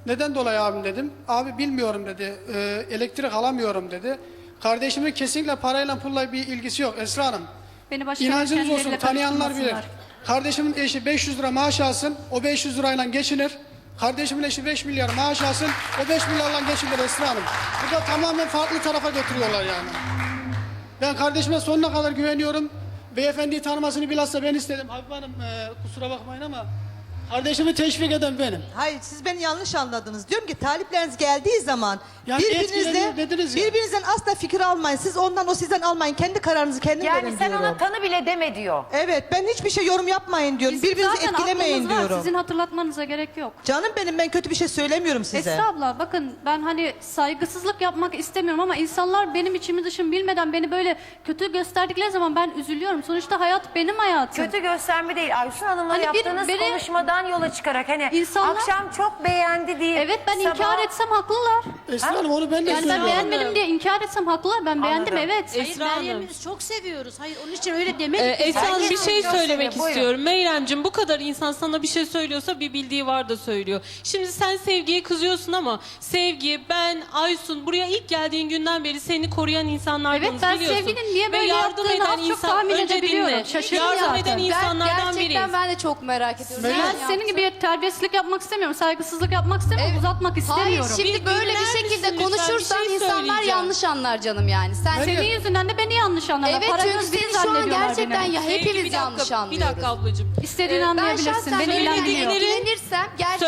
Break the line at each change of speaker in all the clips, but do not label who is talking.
Neden dolayı abim dedim. Abi bilmiyorum dedi. Elektrik alamıyorum dedi. Kardeşimin kesinlikle parayla pulla bir ilgisi yok Esra Hanım.
Beni başka
İnancınız olsun,
kendileriyle
tanıyanlar bilir.
karıştırmasınlar.
Kardeşimin eşi 500 lira maaş alsın, o 500 lirayla geçinir. Kardeşimin eşi 5 milyar maaş alsın, o 5 milyarla geçinir Esra Hanım. Bu da tamamen farklı tarafa götürüyorlar yani. Ben kardeşime sonuna kadar güveniyorum. Beyefendiyi tanımasını bilhassa ben istedim. Habib Hanım kusura bakmayın ama kardeşimi teşvik eden benim.
Hayır, siz beni yanlış anladınız. Diyorum ki talipleriniz geldiği zaman
Yani etkileniyor dediniz ya.
birbirinizden asla fikir almayın. Siz ondan, o sizden almayın. Kendi kararınızı kendin
Yani
verin
sen
diyorum.
ona tanı bile deme diyor.
Evet, ben hiçbir şey yorum yapmayın diyorum.
Bizim
Birbirinizi
zaten
etkilemeyin
aklımız var,
diyorum.
sizin hatırlatmanıza gerek yok.
Canım benim, ben kötü bir şey söylemiyorum size.
Esra abla bakın ben hani saygısızlık yapmak istemiyorum ama insanlar benim içimi dışımı bilmeden beni böyle kötü gösterdikleri zaman ben üzülüyorum. Sonuçta hayat benim hayatım.
Kötü gösterme değil. Aysun Hanım'la
Hani
yaptığınız
biri-
konuşmadan yola çıkarak hani
İnsanlar-
akşam çok beğendi diye.
Evet ben
sabah-
inkar etsem haklılar.
Esra Hanım onu ben de
Yani ben
söylüyorum.
beğenmedim diye inkar etsem haklılar. Ben beğendim
Anladım.
evet.
Hayır,
Esra Hanım.
Meryem'i biz çok seviyoruz. Hayır onun için öyle demedik.
Esra Hanım bir
Herkes
şey
gösteriyor,
söylemek
buyurun.
istiyorum. Meyremciğim bu kadar insan sana bir şey söylüyorsa bir bildiği var da söylüyor. Şimdi sen Sevgi'ye kızıyorsun ama Sevgi, ben, Aysun buraya ilk geldiğin günden beri seni koruyan insanlardanız
Evet, ben
biliyorsun.
Sevgi'nin niye
Ve
böyle
yardım
yaptığını
eden
az çok
insan
tahmin
önce
edebiliyorum.
dinle.
Şaşırdım
Yardım
zaten.
eden insanlardan biriyiz.
Gerçekten ben de çok merak ediyorum.
Ben-
Neden
Ben senin
yaptın?
gibi terbiyesizlik yapmak istemiyorum. Saygısızlık yapmak istemiyorum.
Evet.
Uzatmak istemiyorum.
Hayır şimdi
Bir
böyle
dinler
bir şekilde
misin lütfen?
konuşursan
Bir şey
insanlar
söyleyeceğim.
yanlış anlar canım yani. Sen
Hayır.
Senin yüzünden de beni yanlış anlarlar.
Evet
Para
çünkü
göz biri
seni şu an
zannediyorlar
gerçekten
beni.
ya
Sevgi,
hepimiz yanlış
bir
anlıyoruz.
dakika ablacığım.
İstediğini
Ben
anlayabilirsin.
şahsen
Beni ilgilendiriyor.
ilgilenirsem gerçekten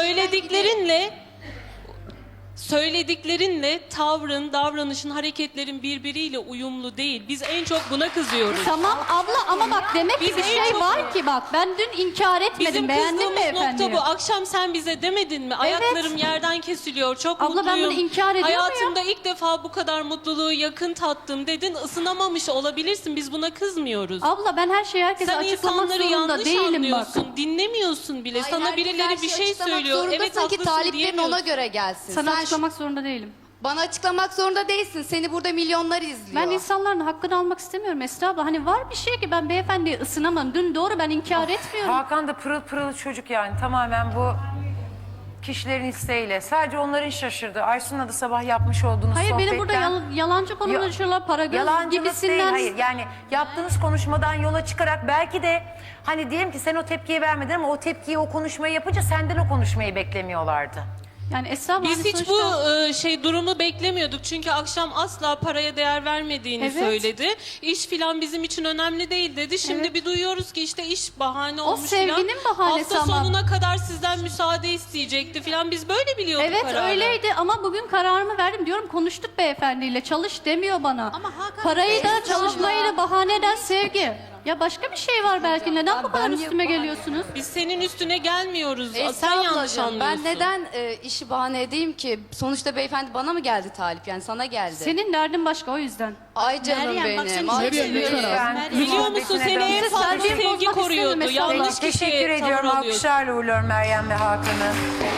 Söylediklerinle tavrın, davranışın, hareketlerin birbiriyle uyumlu değil. Biz en çok buna kızıyoruz.
Tamam abla ama bak demek ki
Biz
bir
en
şey
çok-
var ki bak ben dün inkar etmedim.
Bizim
Beğendin mi
kızdığımız
efendim?
nokta bu. Akşam sen bize demedin mi? Ayaklarım yerden kesiliyor. Çok
Abla, ben
mutluyum.
bunu inkar ediyor
Hayatımda ilk defa bu kadar mutluluğu yakın tattım dedin. Isınamamış olabilirsin. Biz buna kızmıyoruz.
Abla ben her şeyi herkese
Sen
açıklamak
insanları
zorunda
yanlış
değilim bak.
anlıyorsun. Dinlemiyorsun bile.
Hayır,
Sana
herkes
birileri
her
bir
şeyi
şey
açıklamak
söylüyor. Evet
zorundasın ki
haklısın
taliplerin
diyemiyorsun.
ona göre gelsin.
Sana
Sen
açıklamak zorunda değilim.
bana açıklamak zorunda değilsin. Seni burada milyonlar izliyor.
Ben insanların hakkını almak istemiyorum Esra abla. Hani var bir şey ki ben beyefendiye ısınamam. Dün doğru ben inkar etmiyorum.
Hakan da pırıl pırıl çocuk yani tamamen bu kişilerin isteğiyle. Sadece onların şaşırdı. Aysun'la da sabah yapmış olduğunuz
Hayır
sohbetten.
beni burada yalancı konuşuyorlar. Para göz
Yalancılık
gibisinden.
değil, hayır. Yani yaptığınız konuşmadan yola çıkarak belki de hani diyelim ki sen o tepkiyi vermedin ama o tepkiyi, o konuşmayı yapınca senden o konuşmayı beklemiyorlardı.
Yani Esra abla
Biz
hani
hiç
sonuçta-
bu durumu beklemiyorduk. Çünkü akşam asla paraya değer vermediğini
Evet.
söyledi. İş filan bizim için önemli değil dedi. Şimdi
Evet.
bir duyuyoruz ki işte iş bahane
O
olmuş
sevginin
filan.
bahanesi
Hafta
ama.
sonuna kadar sizden müsaade isteyecekti filan. Biz böyle biliyorduk
Evet
kararı.
öyleydi ama bugün kararımı verdim diyorum konuştuk beyefendiyle çalış demiyor bana.
Ama Hakan
Parayı da
Bey,
çalışmayı da bahane eden sevgi. Ya başka bir şey var belki neden bu kadar
ben
üstüme
yok-
geliyorsunuz?
Biz senin üstüne gelmiyoruz. Sen
Esra
yanlış
ablacığım,
anlıyorsun.
ben neden işi bahane edeyim ki? Sonuçta beyefendi bana mı geldi talip yani sana geldi.
Senin derdin başka o yüzden.
Ay canım
Meryem, bak
benim.
seni
ay
çok
Meryem,
seviyoruz.
lütfen.
Meryem.
Biliyor musun seni en
Size
fazla
terbiye
sevgi
bozmak
koruyordu.
istemedim
Yanlış
Esra abla.
kişiye
Teşekkür ediyorum.
tavır alıyorsun.
Alkışlarla uğurluyorum Meryem ve Hakan'ı.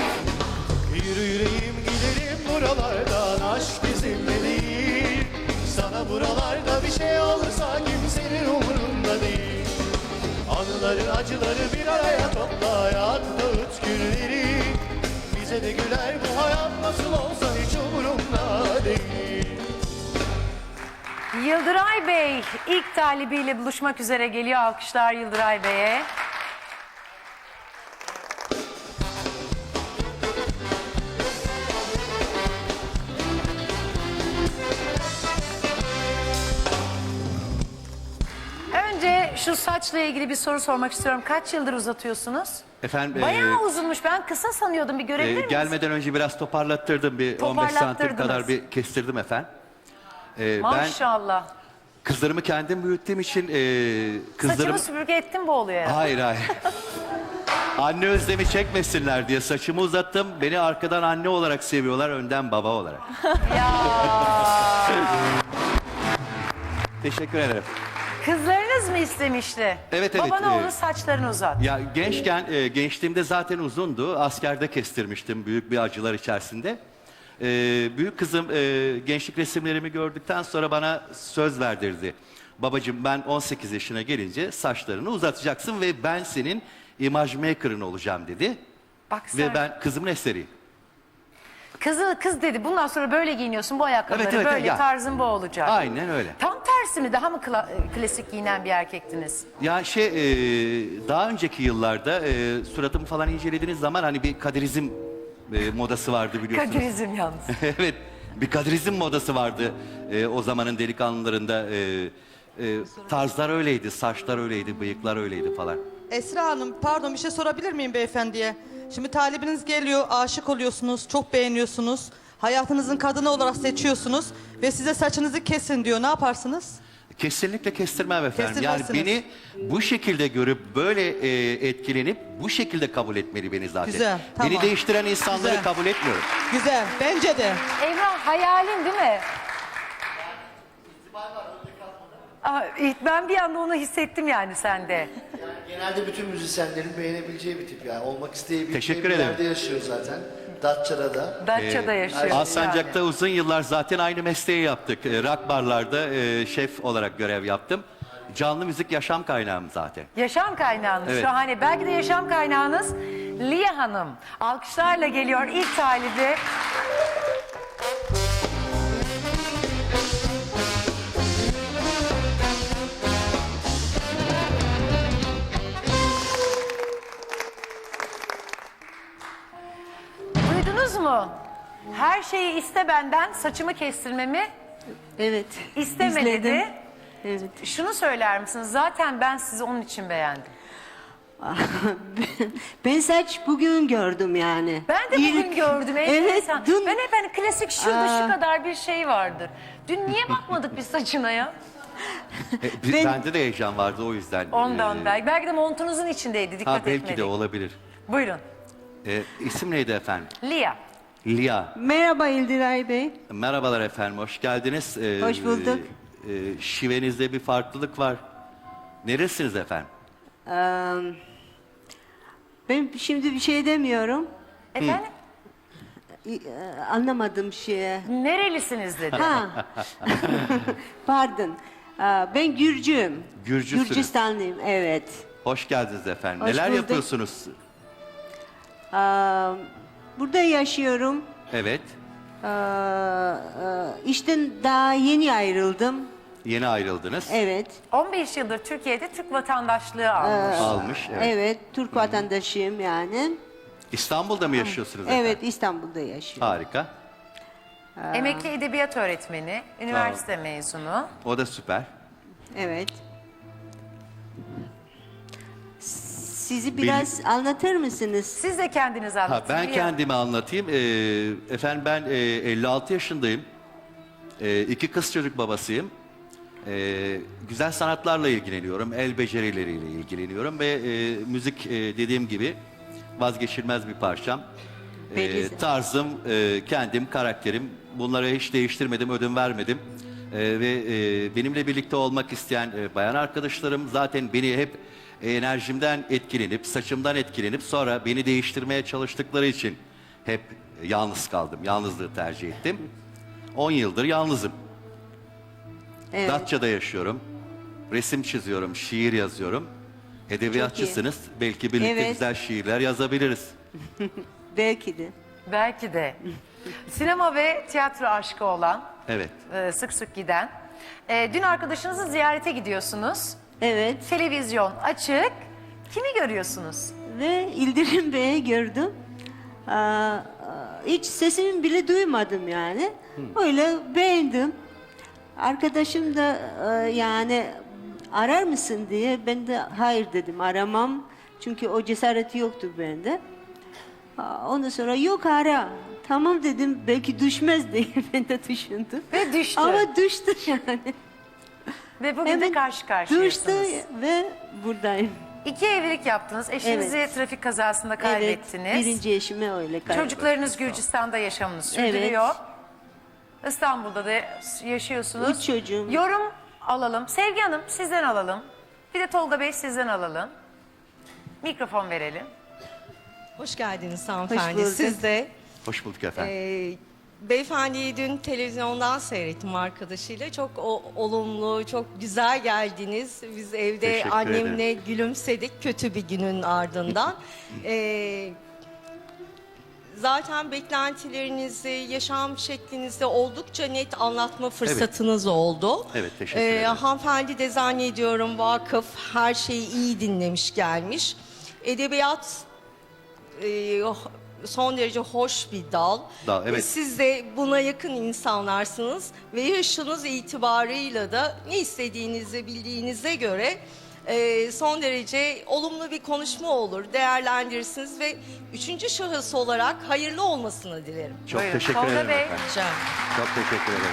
Yürü yüreğim gidelim buralardan, aşk bizimle değil. Sana buralarda bir şey olursa kimsenin umurunda değil. Anıları acıları bir araya topla, hayat dağıt günleri. Bize de güler bu hayat nasıl olsa hiç umurumda değil.
Yıldıray Bey ilk talibiyle buluşmak üzere geliyor. Alkışlar Yıldıray Bey'e. Önce şu saçla ilgili bir soru sormak istiyorum. Kaç yıldır uzatıyorsunuz?
Efendim
Bayağı uzunmuş. Ben kısa sanıyordum. Bir görebilir miyiz?
gelmeden önce biraz toparlattırdım. Bir 15 santim
Toparlattırdınız.
kadar bir kestirdim efendim. Ben
Maşallah.
kızlarımı kendim büyüttüğüm için kızlarım...
Saçımı süpürge ettim bu oluyor herhalde.
Hayır hayır. Anne özlemi çekmesinler diye saçımı uzattım. Beni arkadan anne olarak seviyorlar, önden baba olarak. Teşekkür ederim.
Kızlarınız mı istemişti?
Evet, evet,
Baba ne olur
evet.
saçlarını uzat.
Ya gençliğimde zaten uzundu. Askerde kestirmiştim büyük bir acılar içerisinde. Büyük kızım gençlik resimlerimi gördükten sonra bana söz verdirdi. Babacığım ben 18 yaşına gelince saçlarını uzatacaksın ve ben senin imaj maker'ın olacağım dedi.
Bak sen.
Ve ben kızımın eseriyim.
Kız dedi bundan sonra böyle giyiniyorsun, bu ayakkabıları
Evet, evet,
böyle,
ya.
tarzın bu olacak.
Aynen öyle.
Tam tersi mi? Daha mı klasik giyinen bir erkektiniz?
Ya daha önceki yıllarda suratımı falan incelediğiniz zaman hani bir kadirizm modası vardı biliyorsunuz.
Kadirizm yalnız.
Evet, bir kadirizm modası vardı o zamanın delikanlılarında. Tarzlar öyleydi, saçlar öyleydi, bıyıklar öyleydi falan.
Esra Hanım pardon bir şey sorabilir miyim beyefendiye? Şimdi talibiniz geliyor, aşık oluyorsunuz, çok beğeniyorsunuz. Hayatınızın kadını olarak seçiyorsunuz ve size saçınızı kesin diyor. Ne yaparsınız?
Kesinlikle kestirmem efendim. Yani
Kestirmezsiniz.
beni bu şekilde görüp böyle etkilenip bu şekilde kabul etmeli beni zaten.
Güzel, tamam.
Beni değiştiren insanları
Güzel.
kabul etmiyorum.
Güzel, bence de.
Emrah hayalin değil mi? Ben bir anda onu hissettim yani sende.
Genelde bütün müzisyenlerin beğenebileceği bir tip yani. Olmak isteyebileceği
Teşekkür
bir
ederim.
yerde yaşıyor zaten. Datça'da.
Datça'da yaşıyor.
Alsancak'ta uzun yıllar zaten aynı mesleği yaptık. Rock barlarda şef olarak görev yaptım. Canlı müzik yaşam kaynağım zaten.
Yaşam kaynağınız
Evet.
şahane. Belki de yaşam kaynağınız Liya Hanım. Alkışlarla geliyor ilk talibi. Duydunuz mu? Her şeyi iste benden, saçımı kestirmemi
Evet.
istemedi.
izledim. Evet.
Şunu söyler misiniz? Zaten ben sizi onun için beğendim.
Ben saç bugün gördüm yani.
Ben de bugün gördüm.
Evet.
Enteresan.
Dün,
Ben hep hani klasik şurada şu kadar bir şey vardır. Dün niye bakmadık biz saçına ya?
Bende de heyecan vardı o yüzden.
Ondan belki. Belki de montunuzun içindeydi. Dikkat
Belki
etmedik.
de olabilir.
Buyurun.
İsim neydi efendim?
Lia.
Lia.
merhaba İldiray Bey.
Merhabalar efendim, hoş geldiniz.
Hoş bulduk.
Şivenizde bir farklılık var. Neresiniz efendim?
Ben şimdi bir şey demiyorum.
Efendim?
Anlamadım şeye.
Nerelisiniz dedi.
Ha. Pardon. Ben Gürcüyüm.
Gürcüsünüz.
Gürcistanlıyım, evet.
Hoş geldiniz efendim.
Hoş
Neler
bulduk.
yapıyorsunuz?
Burada yaşıyorum.
Evet,
İşten daha yeni ayrıldım.
yeni ayrıldınız.
Evet.
15 yıldır Türkiye'de Türk vatandaşlığı almış.
Almış, evet.
Evet, Türk vatandaşıyım yani.
İstanbul'da mı yaşıyorsunuz efendim?
Evet, İstanbul'da yaşıyorum.
Harika.
Emekli edebiyat öğretmeni, üniversite mezunu.
O da süper.
Evet. Sizi biraz anlatır mısınız?
Siz de kendiniz anlatın.
Ben
Lia.
kendimi anlatayım. Efendim ben 56 yaşındayım. 2 kız çocuk babasıyım. Güzel sanatlarla ilgileniyorum. El becerileriyle ilgileniyorum ve müzik dediğim gibi vazgeçilmez bir parçam.
Belli.
Tarzım, kendim, karakterim. Bunları hiç değiştirmedim, ödün vermedim. Ve benimle birlikte olmak isteyen bayan arkadaşlarım zaten beni hep enerjimden etkilenip, saçımdan etkilenip sonra beni değiştirmeye çalıştıkları için hep yalnız kaldım. Yalnızlığı tercih ettim. 10 yıldır yalnızım.
Evet.
Datça'da yaşıyorum. Resim çiziyorum, şiir yazıyorum. Edebiyatçısınız. Belki birlikte
Evet.
güzel şiirler yazabiliriz.
Belki de.
Belki de. Sinema ve tiyatro aşkı olan,
Evet.
sık sık giden. Dün arkadaşınızı ziyarete gidiyorsunuz.
Evet.
Televizyon açık. Kimi görüyorsunuz?
Ve İldirim Bey'i gördüm. Hiç sesini bile duymadım yani. Öyle beğendim. Arkadaşım da yani arar mısın diye ben de hayır dedim, aramam. Çünkü o cesareti yoktur bende. Ondan sonra yok ara. Tamam dedim, belki düşmez diye ben de düşündüm.
Ve düştü.
Ama düştü yani.
Ve bugün de
Hemen
karşı
düştü
karşıyasınız.
ve buradayım.
2 evlilik yaptınız. Eşinizi
Evet.
trafik kazasında kaybettiniz.
Evet, birinci eşime öyle kaybettim.
Çocuklarınız Gürcistan'da yaşamını sürdürüyor. İstanbul'da da yaşıyorsunuz.
3 çocuğum.
Yorum alalım. Sevgi Hanım sizden alalım. Bir de Tolga Bey sizden alalım. Mikrofon verelim.
Hoş geldiniz hanımefendi.
bulduk.
Siz de.
Hoş bulduk efendim.
Beyefendiyi dün televizyondan seyrettim arkadaşıyla. Çok olumlu, çok güzel geldiniz. Biz evde
Teşekkür
annemle gülümsedik kötü bir günün ardından. Zaten beklentilerinizi, yaşam şeklinizi oldukça net anlatma fırsatınız oldu.
Evet, teşekkür ederim.
Hanımefendi de zannediyorum vakıf, her şeyi iyi dinlemiş gelmiş. Edebiyat son derece hoş bir dal.
Evet.
Siz de buna yakın insanlarsınız ve yaşınız itibarıyla da ne istediğinizi bildiğinize göre son derece olumlu bir konuşma olur, değerlendirirsiniz ve üçüncü şahıs olarak hayırlı olmasını dilerim.
Çok
Buyurun.
teşekkür
Tolga
ederim
Bey.
efendim.
Rica ederim.
Çok teşekkür ederim.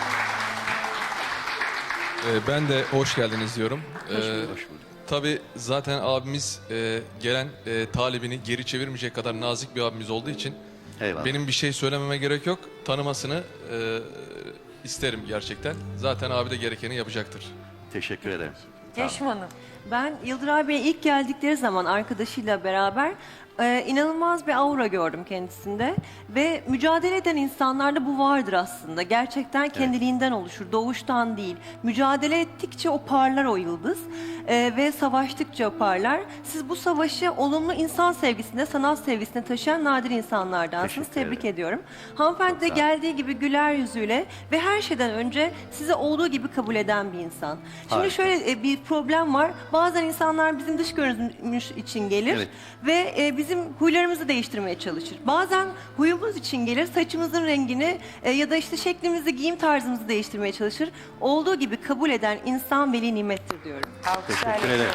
Ben de hoş geldiniz diyorum.
Hoş bulduk.
Tabii zaten abimiz gelen talibini geri çevirmeyecek kadar nazik bir abimiz olduğu için
Eyvallah.
benim bir şey söylememe gerek yok. Tanımasını isterim gerçekten. Zaten abi de gerekeni yapacaktır.
Teşekkür ederim.
Yeşim Hanım.
Ben Yıldıray Bey'e ilk geldikleri zaman arkadaşıyla beraber inanılmaz bir aura gördüm kendisinde. Ve mücadele eden insanlarda bu vardır aslında. Gerçekten kendiliğinden oluşur, doğuştan değil. Mücadele ettikçe o parlar o yıldız ve savaştıkça parlar. Siz bu savaşı olumlu insan sevgisine, sanat sevgisine taşıyan nadir insanlardansınız.
Teşekkür
Tebrik
ederim.
ediyorum. Hanımefendi de
Çok sağ olun.
geldiği gibi güler yüzüyle ve her şeyden önce sizi olduğu gibi kabul eden bir insan. Şimdi
Harika.
şöyle bir problem var. Bazen insanlar bizim dış görünümümüz için gelir
Evet.
ve bizim huylarımızı değiştirmeye çalışır. Bazen huyumuz için gelir, saçımızın rengini ya da işte şeklimizi, giyim tarzımızı değiştirmeye çalışır. Olduğu gibi kabul eden insan veli nimettir diyorum.
Teşekkür ederim.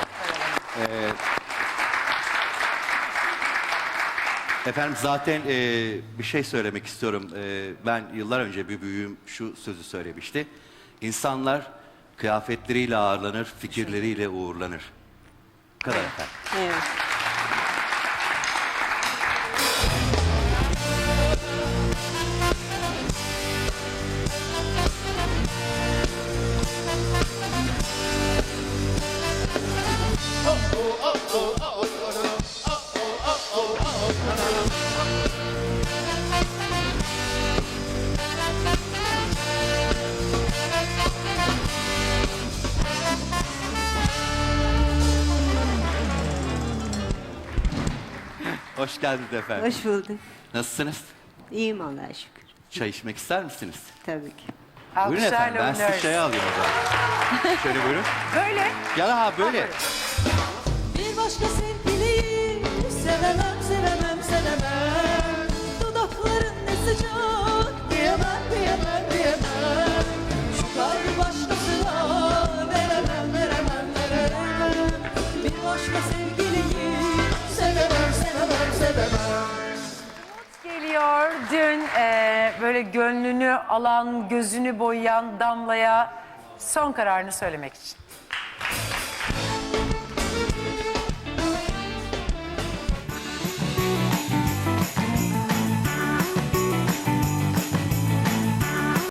Efendim zaten bir şey söylemek istiyorum. Ben yıllar önce bir büyüğüm şu sözü söylemişti. İnsanlar kıyafetleriyle ağırlanır, fikirleriyle uğurlanır. Bu kadar efendim.
Evet.
Hoş geldiniz efendim.
Hoş bulduk.
Nasılsınız?
İyiyim Allah'a şükür.
Çay içmek ister misiniz?
Tabii ki.
Buyurun efendim. Ben sizi
uğurluyoruz.
çaya alayım o zaman. Şöyle buyurun.
Böyle.
Gel ha böyle.
Bir başka sevgiliyi sevemem, sevemem, sevemem. Dudakların ne sıcak, diyemem, diyemem, diyemem. Şu kalbi başkasına veremem, veremem, veremem. Bir başka sevgiliyi sevemem, sevemem, sevemem.
Geliyor dün böyle gönlünü alan, gözünü boyayan Damla'ya son kararını söylemek için.